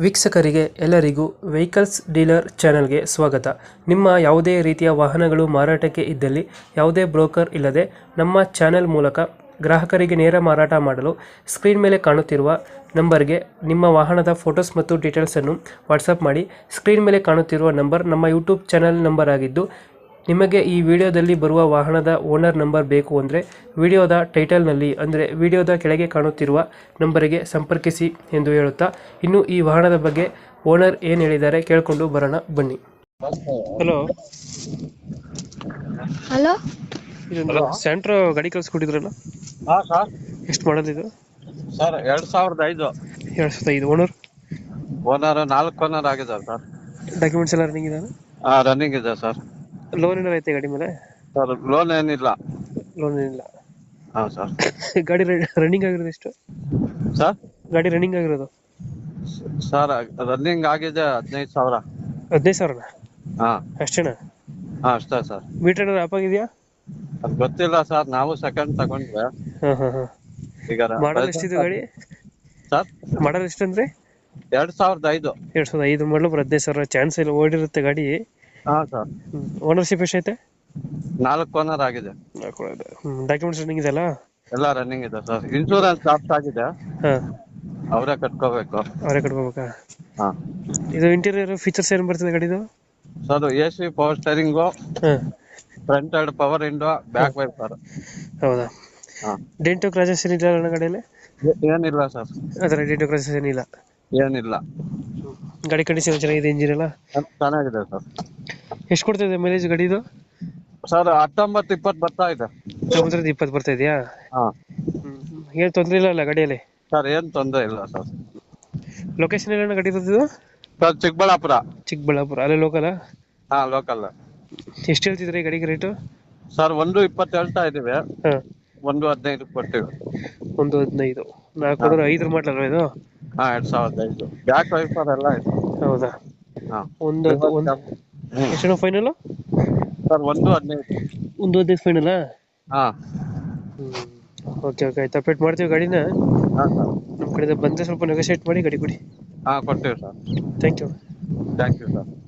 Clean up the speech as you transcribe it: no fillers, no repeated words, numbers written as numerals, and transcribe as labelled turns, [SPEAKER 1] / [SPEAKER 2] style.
[SPEAKER 1] ವೀಕ್ಷಕರಿಗೆ ಎಲ್ಲರಿಗೂ vehicles dealer ಚಾನೆಲ್ಗೆ ಸ್ವಾಗತ. ನಿಮ್ಮ ಯಾವುದೇ ರೀತಿಯ ವಾಹನಗಳು ಮಾರಾಟಕ್ಕೆ ಇದ್ದಲ್ಲಿ ಯಾವುದೇ ಬ್ರೋಕರ್ ಇಲ್ಲದೆ ನಮ್ಮ ಚಾನೆಲ್ ಮೂಲಕ ಗ್ರಾಹಕರಿಗೆ ನೇರ ಮಾರಾಟ ಮಾಡಲು ಸ್ಕ್ರೀನ್ ಮೇಲೆ ಕಾಣುತ್ತಿರುವ ನಂಬರ್ಗೆ ನಿಮ್ಮ ವಾಹನದ ಫೋಟೋಸ್ ಮತ್ತು ಡೀಟೇಲ್ಸನ್ನು ವಾಟ್ಸಪ್ ಮಾಡಿ. ಸ್ಕ್ರೀನ್ ಮೇಲೆ ಕಾಣುತ್ತಿರುವ ನಂಬರ್ ನಮ್ಮ ಯೂಟ್ಯೂಬ್ ಚಾನೆಲ್ ನಂಬರ್ ಆಗಿದ್ದು, ನಿಮಗೆ ಈ ವಿಡಿಯೋದಲ್ಲಿ ಬರುವ ವಾಹನದ ಓನರ್ ನಂಬರ್ ಬೇಕು ಅಂದರೆ ವಿಡಿಯೋದ ಟೈಟಲ್ನಲ್ಲಿ ಅಂದರೆ ವಿಡಿಯೋದ ಕೆಳಗೆ ಕಾಣುತ್ತಿರುವ ನಂಬರಿಗೆ ಸಂಪರ್ಕಿಸಿ ಎಂದು ಹೇಳುತ್ತಾ, ಇನ್ನು ಈ ವಾಹನದ ಬಗ್ಗೆ ಓನರ್ ಏನು ಹೇಳಿದ್ದಾರೆ ಕೇಳಿಕೊಂಡು ಬರೋಣ ಬನ್ನಿ. ಹಲೋ
[SPEAKER 2] ಹಲೋ
[SPEAKER 1] ಇದೊಂದು ಸ್ಯಾಂಟ್ರೋ ಗಾಡಿ ಕಳಿಸ್ಕೊಟ್ಟಿದ್ರಲ್ಲ,
[SPEAKER 3] ಹಾ ಸರ್.
[SPEAKER 1] ಎಷ್ಟು ಮಾಡೋದು ಇದು?
[SPEAKER 3] ಸರ್ 2005
[SPEAKER 1] 2005. ಓನರ್
[SPEAKER 3] ಓನರ್ 4 ಓನರ್ ಆಗಿದೆ ಸರ್.
[SPEAKER 1] ಡಾಕ್ಯುಮೆಂಟ್ಸ್ ಎಲ್ಲ ರನ್ನಿಂಗ್ ಇದೆ?
[SPEAKER 3] ರನ್ನಿಂಗ್ ಇದೆ ಸರ್.
[SPEAKER 1] ಲೋನ್ ಏನಾರು ಐತೆ ಗಾಡಿ ಮೇಲೆ?
[SPEAKER 3] ಸರ್ ಲೋನ್ ಏನಿಲ್ಲ.
[SPEAKER 1] ಲೋನ್ ಏನಿಲ್ಲ.
[SPEAKER 3] ಹಾ ಸರ್.
[SPEAKER 1] ಗಾಡಿ ರನ್ನಿಂಗ್ ಆಗಿರೋದು ಎಷ್ಟು?
[SPEAKER 3] ಸರ್
[SPEAKER 1] ಗಾಡಿ ರನ್ನಿಂಗ್ ಆಗಿರೋದು
[SPEAKER 3] ಸರ್ ರನ್ನಿಂಗ್ ಆಗಿದೆ 15,000.
[SPEAKER 1] 15,000?
[SPEAKER 3] ಹಾ
[SPEAKER 1] ಅಷ್ಟೇನಾ?
[SPEAKER 3] ಹಾ ಅಷ್ಟೇ ಸರ್.
[SPEAKER 1] ಮೀಟರ್ ಏನಾರು ಆಪ್ ಆಗಿದೆಯಾ?
[SPEAKER 3] ಅದು ಗೊತ್ತಿಲ್ಲ ಸರ್, ನಾವು ಸೆಕೆಂಡ್ ತಗೊಂಡ್ರೆ
[SPEAKER 1] ಹಾಂ ಹಾಂ ಹಾಂ.
[SPEAKER 3] ಈಗ
[SPEAKER 1] ಮಾಡಲ್ ಎಷ್ಟಿದೆ ಗಾಡಿ?
[SPEAKER 3] ಸರ್
[SPEAKER 1] ಮಾಡಲ್ ಎಷ್ಟು ಅಂದ್ರೆ?
[SPEAKER 3] 2005.
[SPEAKER 1] 2005 ಮಾಡಲು 15,000 ಚಾನ್ಸ್ ಇಲ್ಲ, ಓಡಿರುತ್ತೆ ಗಾಡಿ.
[SPEAKER 3] ಹಾ ಸರ್.
[SPEAKER 1] ಓನರ್ಶಿಪ್ ಎಷ್ಟೈತೆ?
[SPEAKER 3] 4 ಓನರ್ ಆಗಿದೆ.
[SPEAKER 1] ಡಾಕ್ಯುಮೆಂಟ್ಸ್ ರನ್ನಿಂಗ್ ಇದೆಯಲ್ಲ?
[SPEAKER 3] ಎಲ್ಲ ರನ್ನಿಂಗ್ ಇದೆ ಸರ್. ಇನ್ಶೂರೆನ್ಸ್ ಲಾಸ್ಟ್ ಆಗಿದೆ,
[SPEAKER 1] ಹಾಂ.
[SPEAKER 3] ಅವರೇ ಕಟ್ಕೋಬೇಕು.
[SPEAKER 1] ಅವರೇ ಕಟ್ಕೋಬೇಕಾ?
[SPEAKER 3] ಹಾ.
[SPEAKER 1] ಇದು ಇಂಟೀರಿಯರ್ ಫೀಚರ್ಸ್ ಏನು ಬರ್ತದೆ ಗಾಡಿದು?
[SPEAKER 3] ಸರ್ AC, ಪವರ್ ಸ್ಟೇರಿಂಗು,
[SPEAKER 1] ಹಾಂ.
[SPEAKER 3] ಫ್ರಂಟ್ ಎರಡು ಪವರ್ ವಿಂಡೋ, ಬ್ಯಾಕ್ ವೈಪರ್.
[SPEAKER 1] ಹೌದಾ?
[SPEAKER 3] ಹಾ.
[SPEAKER 1] ಡೆಂಟು ಕ್ರಾಚಸ್ ಏನಿಲ್ಲ ಅಣ್ಣ ಗಾಡಿಯಲ್ಲಿ?
[SPEAKER 3] ಏನಿಲ್ಲ ಸರ್,
[SPEAKER 1] ಅದರ ಡೆಂಟು ಕ್ರಾಚಸ್ ಏನಿಲ್ಲ?
[SPEAKER 3] ಏನಿಲ್ಲ.
[SPEAKER 1] ಗಾಡಿ ಕಂಡೀಷನ್ ಚೆನ್ನಾಗಿದೆ, ಇಂಜಿನ್ ಎಲ್ಲ
[SPEAKER 3] ಚೆನ್ನಾಗಿದೆ ಸರ್.
[SPEAKER 1] ಎಷ್ಟು ಕೊಡ್ತಿದೆ ಮೈಲೇಜ್ ಗಾಡಿದು?
[SPEAKER 3] ಸರ್ 19-20 ಬರ್ತಾ ಇದೆ.
[SPEAKER 1] 19-20 ಬರ್ತಾ ಇದೆಯಾ?
[SPEAKER 3] ಹಾ.
[SPEAKER 1] ಏನು ತೊಂದರೆ ಇಲ್ಲ ಅಲ್ಲ ಗಾಡಿಯಲ್ಲಿ?
[SPEAKER 3] ಸರ್ ಏನ್ ತೊಂದರೆ ಇಲ್ಲ ಸರ್.
[SPEAKER 1] ಲೊಕೇಶನ್ ಎಲ್ಲ ಗಾಡಿ ಇರೋದು?
[SPEAKER 3] ಸರ್ ಚಿಕ್ಕಬಳ್ಳಾಪುರ.
[SPEAKER 1] ಚಿಕ್ಕಬಳ್ಳಾಪುರ, ಅಲ್ಲೇ ಲೋಕಲ್?
[SPEAKER 3] ಹಾ ಲೋಕಲ್.
[SPEAKER 1] ಎಷ್ಟು ಹೇಳ್ತಿದ್ರಿ ಈ ಗಾಡಿಗೆ ರೇಟು?
[SPEAKER 3] ಸರ್ 1.20 ಹೇಳ್ತಾ ಇದೀವಿ,
[SPEAKER 1] ಹಾಂ.
[SPEAKER 3] 1.15 ಕೊಡ್ತೀವಿ.
[SPEAKER 1] 1.15. 4 5 ಮಾಡಲಲ್ವ ಇದು?
[SPEAKER 3] ಹಾ 2005. ಬ್ಯಾಕ್ ವೈಪರ್ ಎಲ್ಲ ಇದೆ.
[SPEAKER 1] ಹೌದಾ?
[SPEAKER 3] ಹಾ.
[SPEAKER 1] ಎಷ್ಟು ಫೈನಲ್?
[SPEAKER 3] ಸರ್ 1.15.
[SPEAKER 1] 1.15 ಫೈನಲ್ಲಾ?
[SPEAKER 3] ಹಾ.
[SPEAKER 1] ಓಕೆ ಓಕೆ, ಆಯ್ತು, ಅಪ್ಡೇಟ್ ಮಾಡ್ತೀವಿ ಗಾಡಿನ.
[SPEAKER 3] ಹಾ ಸರ್.
[SPEAKER 1] ನಮ್ಮ ಕಡೆಯಿಂದ ಬಂದರೆ ಸ್ವಲ್ಪ ನೆಗೋಶಿಯೇಟ್ ಮಾಡಿ ಗಾಡಿ ಕೊಡಿ.
[SPEAKER 3] ಹಾ ಕೊಡ್ತೀವಿ sir.
[SPEAKER 1] Thank you.
[SPEAKER 3] Thank you sir.